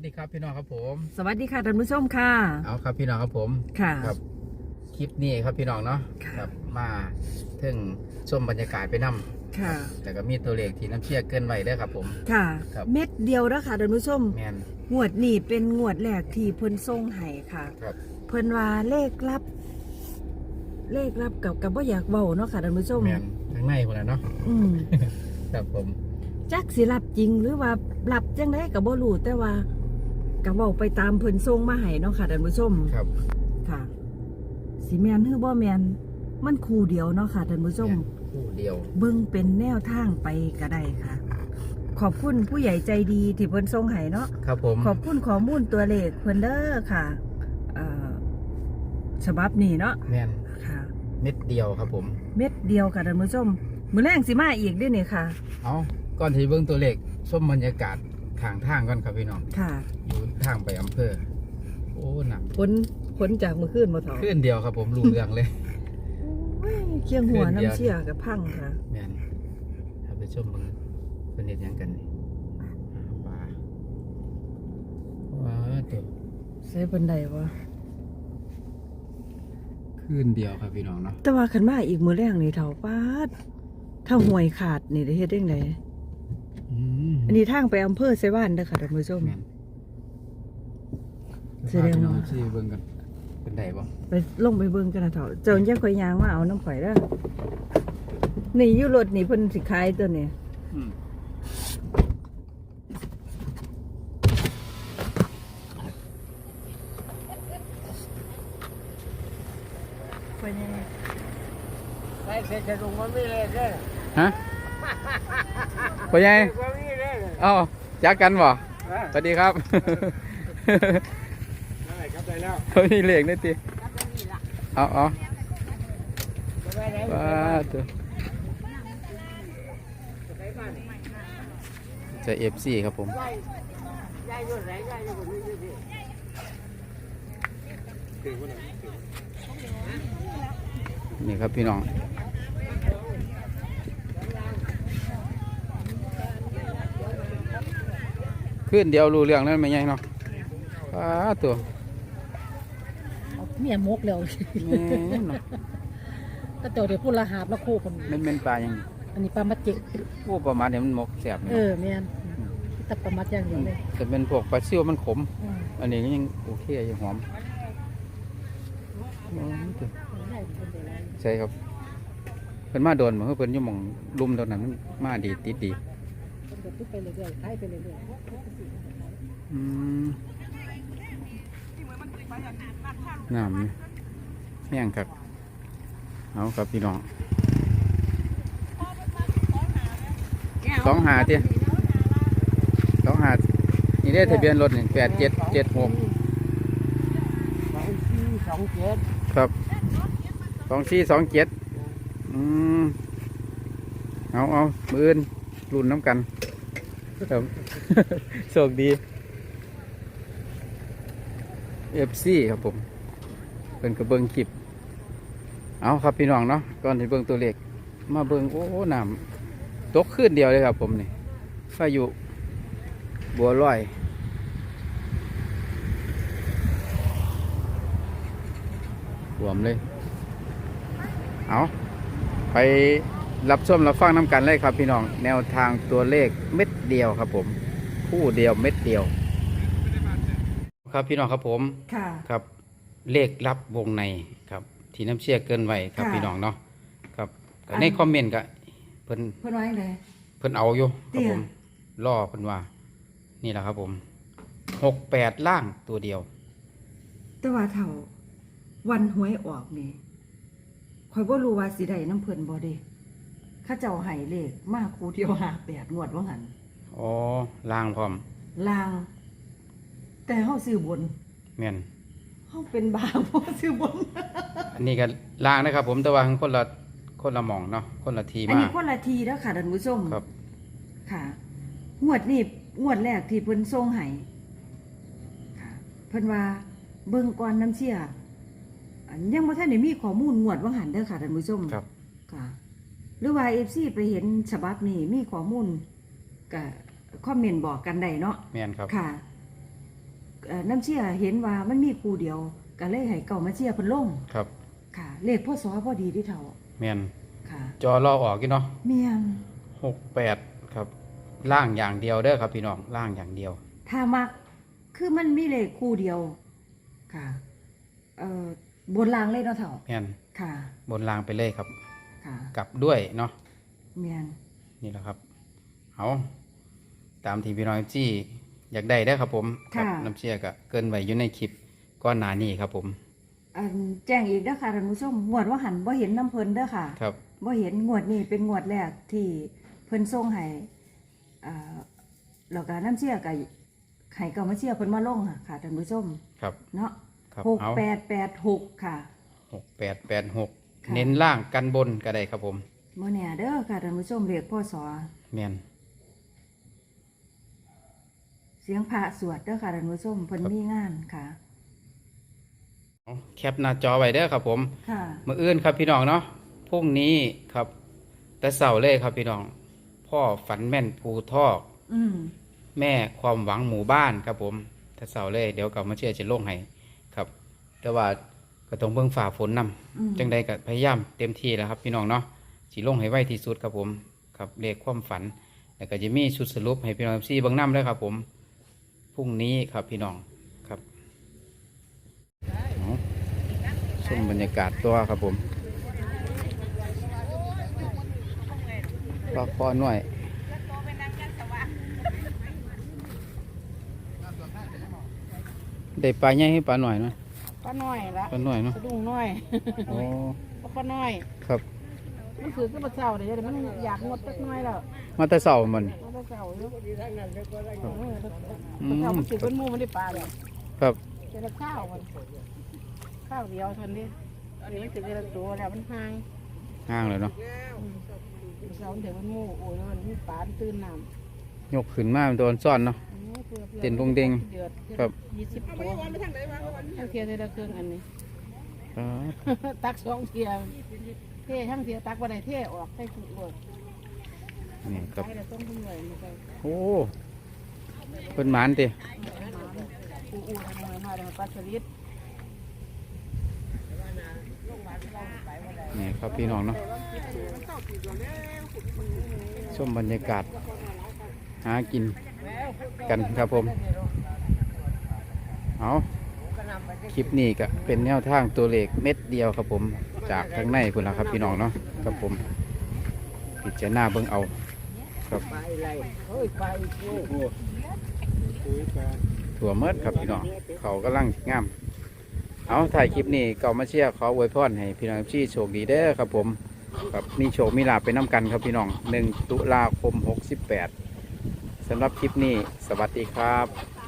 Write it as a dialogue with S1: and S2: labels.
S1: ดีครับพี่น้องครับผม
S2: สวัสดีค่ะท่านผู้ชมค่ะ
S1: เอาครับพี่น้องครับผม
S2: ค่ะ
S1: ครับคลิปนี้ครับพี่น้องเนาะครับมาถึงชมบรรยากาศไปนำ
S2: ค่ะ
S1: แต่ก็มีตัวเลขที่น้ำเชี่ยเกินไว้ด้วยครับผม
S2: ค่ะ
S1: ครับ
S2: เม็ดเดียวแล้วค่ะท่านผู้ชม
S1: แมน
S2: งวดนี้เป็นงวดแรกที่เพิ่นส่งให้ค่ะ
S1: ครับ
S2: เพิ่นว่าเลขลับกับบ่อยากเว้าเนาะค่ะท่านผู้ชม
S1: แมนทั้งในคนละเนาะครับผม
S2: จักสิรับจริงหรือว่ารับจังได๋ก็บ่รู้แต่ว่าก็เว้าไปตามเพิ่นส่งมาให้เนาะค่ะท่านผู้ชม
S1: ครับ
S2: ค่ะสิแม่นหรือบ่แม่นมันคู่เดียวเนาะค่ะท่านผู้ชม
S1: คู่เดียว
S2: เบิ่งเป็นแนวทางไปก็ได้ค่ะขอบคุณผู้ใหญ่ใจดีที่เพิ่นส่งให้เนาะ
S1: ครับผม
S2: ขอบคุณข้อมูลตัวเลขเพิ่นเด้อค่ะฉบับนี้เนาะ
S1: แมน
S2: ค่ะ
S1: เม็ดเดียวครับผม
S2: เม็ดเดียวค่ะท่านผู้ชมมื้อแรงสิมาอีกด้วยนี่ค่ะ
S1: เอาก่อนที่เบิ่งตัวเลขชมบรรยากาศทางก่อนครับพี่น้อง
S2: ค่ะ
S1: อยู่ทางไปอำเภอโอ้หนัก
S2: ผลจากมื้อคืนบ่เฒ่า
S1: ขึ้นเดียวครับผมรู้เรื่องเลย
S2: โอ้ยเคียงหัวน้ำเชี่ยกับพังค่ะ
S1: แมนถ้าไปชมเบิ่งเป็นเฮ็ดหยังกันนี่ปลาว้าตัว
S2: ใส่บันไดวะ
S1: ขึ้นเดียวครับพี่น้องเนาะ
S2: แต่ว่าคันมาอีกมื้อแรงนี่เฒ่าปาดถ้าห่วยขาดนี่ได้เฮ็ดจังได๋อันนี้ทางไปอำเภอไสวานเด้อค่ะท่านผู้ชม
S1: แสดงว่าสิเบิ่งกันเป็นไดบ่
S2: ไปลงไปเบิ่งกันนะเฒ่าเจ้าอย่าค่อยย่างมาเอาน้ำข่อยเด้อนี่อยู่รถนี่เพิ่นสิขายตัวนี้ไปยังไง
S3: ไปเสร็จจะลงมันไม่เลยเด้อ
S1: ฮะไปยังเอ้าจักกันบ่สวัสดีครับ
S3: ได้ครับได้แล้ว
S1: เขามีเหล็กนี่ติเอาว้าตัวจะ FC ครับผมนี่ครับพี่น้องขึ้นเดียวรู้เรื่องนั่นไม่ใช่เนาะตัว
S2: เมียมกแล้วก็เจ้าเดี๋ยวพูดละหาบละคู่คน
S1: มันเป็นปลาอย่าง
S2: อันนี้ปลามัดเจ็ก
S1: พวกปลามัดเนี่ยมันมกแสบ
S2: เมียนตับปลามัดอย่างเดียวเลย
S1: จะเป็นพวกปลาซิ่วมันขมอันนี้ยังโอเคยังหอมใช่ครับเพิ่นมาโดนเหมือนเพิ่นยุ่งมองลุ่มตอนนั้นมันมาดีติดดี
S2: ไปเรื่อยๆไปเรื่อยๆ
S1: น้ำแห้งครับเอาครับพี่น้อง2 หาเตี้ย2 หานี่ได้ทะเบียนรถนี่8776ครับ2427เอามือรุ่นน้ำกันครับโชคดี FC ครับผมเป็นกระเบื้องคลิปเอาครับพี่น้องเนาะก่อนที่เบื้องตัวเลขมาเบื้องโอ้น้ำตกขึ้นเดียวเลยครับผมนี่พายุบัวลอยรวมเลยเอาไปรับชมรับฟังน้ำกันเลยครับพี่น้องแนวทางตัวเลขเม็ดเดียวครับผมคู่เดียวเม็ดเดียวครับพี่น้องครับผมครับเลขลับวงในครับที่น้ำเชี่ยเกินไว้ครับพี่น้องเนาะครับในคอมเมนต์ก็เพิ่น
S2: ว่าไงเลย
S1: เพิ่นเอาอยู่ครับผมล่อเพิ่นว่านี่แหละครับผม68ล่างตัวเดียว
S2: แต่ว่าเท่าวันหวยออกนี่ข่อยบ่รู้ว่าสิได้น้ำเพิ่นบ่เด้ข้าเจ้าให้เลขมาคู่เดียว58งวดว่าหั่น
S1: อ๋อล่างพร้อม
S2: ล่างแต่เฮาซื้อบน
S1: แม่น
S2: เฮาเป็นบาบ่ซื้อบน
S1: อันนี้ก็ล่างนะครับผมแต่ว่าคนละหม่องเนาะคนละทีมา
S2: อันนี้คนละทีแล้วค่ะท่านผู้ชม
S1: ครับ
S2: ค่ะงวดนี้งวดแรกที่เพิ่นส่งให้ค่ะเพิ่นว่าเบิ่งก่อนน้ำเชี่ยยังบ่ทันได้มีข้อมูลงวดว่าหั่นเด้อค่ะท่านผู้ชม
S1: ครับ
S2: ค่ะหรือว่า FC ไปเห็นฉบับนี้มีข้อมูลก็คอมเมนต์บอกกันได้เนาะ
S1: แม่นครับ
S2: ค่ะน้ำเชี่ยเห็นว่ามันมีคู่เดียวก็เลยให้เก่ามาเชี่ยเพิ่นลง
S1: ครับ
S2: ค่ะ เลขพศพอดีที่เท่า
S1: แม่น
S2: ค่ะ
S1: จอรอออกกี่เนาะ
S2: เมียน
S1: 68ครับล่างอย่างเดียวเด้อครับพี่น้องล่างอย่างเดียว
S2: ถ้ามักคือมันมีเลขคู่เดียวค่ะบนรางเลยเนาะเท่า
S1: แม่น
S2: ค่ะ
S1: บนล่างไปเลยครับ
S2: ค่ะ
S1: กลับด้วยเนาะ
S2: เมียน
S1: นี่แหละครับเอาตามที่พี่น้องจี้อยากได้ได้อครับผมครับน้ำเชี่ยก็เกินไว้อยู่ในคลิปก้อนหนานี้ครับผม
S2: แจ้งอีกเด้อค่ะท่านผู้ชมงวดว่าหันบ่เห็นน้ำเพิ่นเด้อค่ะ
S1: ครับ
S2: บ่เห็นงวดนี้เป็นงวดแรกที่เพิ่นส่งให้แล้วก็น้ำเชี่ยกับให้เก่ามาเชี่ยเพิ่นมาลงค่ะท่านผู้ชม
S1: ครับ
S2: เนาะ
S1: ครับ
S2: 6886ค่ะ
S1: 6886
S2: ค่ะ
S1: เน้นล่างกันบนก็ได้ครับผม
S2: บ่แน่เด้อค่ะท่านผู้ชมเรียกพ่อสอ
S1: แม่น
S2: เสียงพระสวดเด้อค่ะท่านผู้ชมเพิ่นมีงานค่ะ
S1: เอาแคปหน้าจอไว้เด้อครับผม
S2: ค่ะ
S1: มื้ออื่นครับพี่น้องเนาะพรุ่งนี้ครับแต่เสาร์เลยครับพี่น้อง พ่อฝันแม่นภูทอก
S2: อืม
S1: แม่ความหวังหมู่บ้านครับผมแต่เสาร์เลยเดี๋ยวกลับมาเชื่อจะลงให้ครับ แต่ว่าก็ต้องเบิ่งฝ่าฝนนำ
S2: อืม
S1: จังใดก็พยายามเต็มที่แล้วครับพี่น้องเนาะสิลงให้ไวที่สุดครับผมครับเลขความฝันแล้วก็จะมีชุดสรุปให้พี่น้องซี่เบิ่งนำด้วยครับผมพรุ่งนี้ครับพี่น้องครับเอาชมบรรยากาศตัวครับผมปลาคอหน่อยได้ปลาใหญ่ให้ปลาหน่อยเนาะ
S4: ป้าน้อยละ
S1: ปลาหน่อยเนาะ
S4: สะดุ้งน้อย
S1: โอ้
S4: ป้าน้อย
S1: ครับ
S4: มันคือก็มาเศร้าเดี๋ยวมันอยากงดสักน้อยแล้ว
S1: มาแต่เสาร์มัน
S4: มาเศร้าอยู่
S1: อื
S4: เศร้าม มันถือ
S1: ครั
S4: เป็
S1: บ
S4: นหมูมันได้ปลาเลย
S1: ครับ
S4: เจอข้าวมันข้าวเดียวเทันนี้อันนี้มันถือเป็นตัวแล้วมันห่าง
S1: ห้างเลยเนาะ
S4: เศร้าเดี๋ยวมันหมูโอ้ยมันมีปลาตื่นน้ำ
S1: ยกขึ้นมาเป็นตัวซ่อนเนาะ เต้นวงเด้งครับ
S4: 20 ตัวทั้งเทียได้ละเครื่องอันนี้
S1: อ๋อ
S4: ตัก2เทียเท่ทั้งเทียตักบ่ได้เท่ออกใส่ถุงโลด
S1: นี่ครับ
S4: ใส่แล้วต้องทุ่มเลยมันก็
S1: โอ้เป็นหมานติ
S4: อู้ทำไมมาได้ปลาสลิด
S1: นี่ครับพี่น้องเนาะชมบรรยากาศหากินกันครับผมเอาคลิปนี้ก็เป็นแนวทางตัวเลขเม็ดเดียวครับผมจากข้างในคุณละครับพี่น้องเนาะครับผมพิจารณาเบิ่งเอาครับ
S3: ไปไรเฮ้ยไปโอ้โหคุยกัน
S1: ถั่วเมิดครับพี่น้องเขากำลังงามเอาถ่ายคลิปนี้ก็มาเชียร์ขออวยพรให้พี่น้องที่โชคดีเด้อครับผมครับมีโชคมีลาภไปน้ำกันครับพี่น้อง1 ตุลาคม 68สำหรับคลิปนี้สวัสดีครับ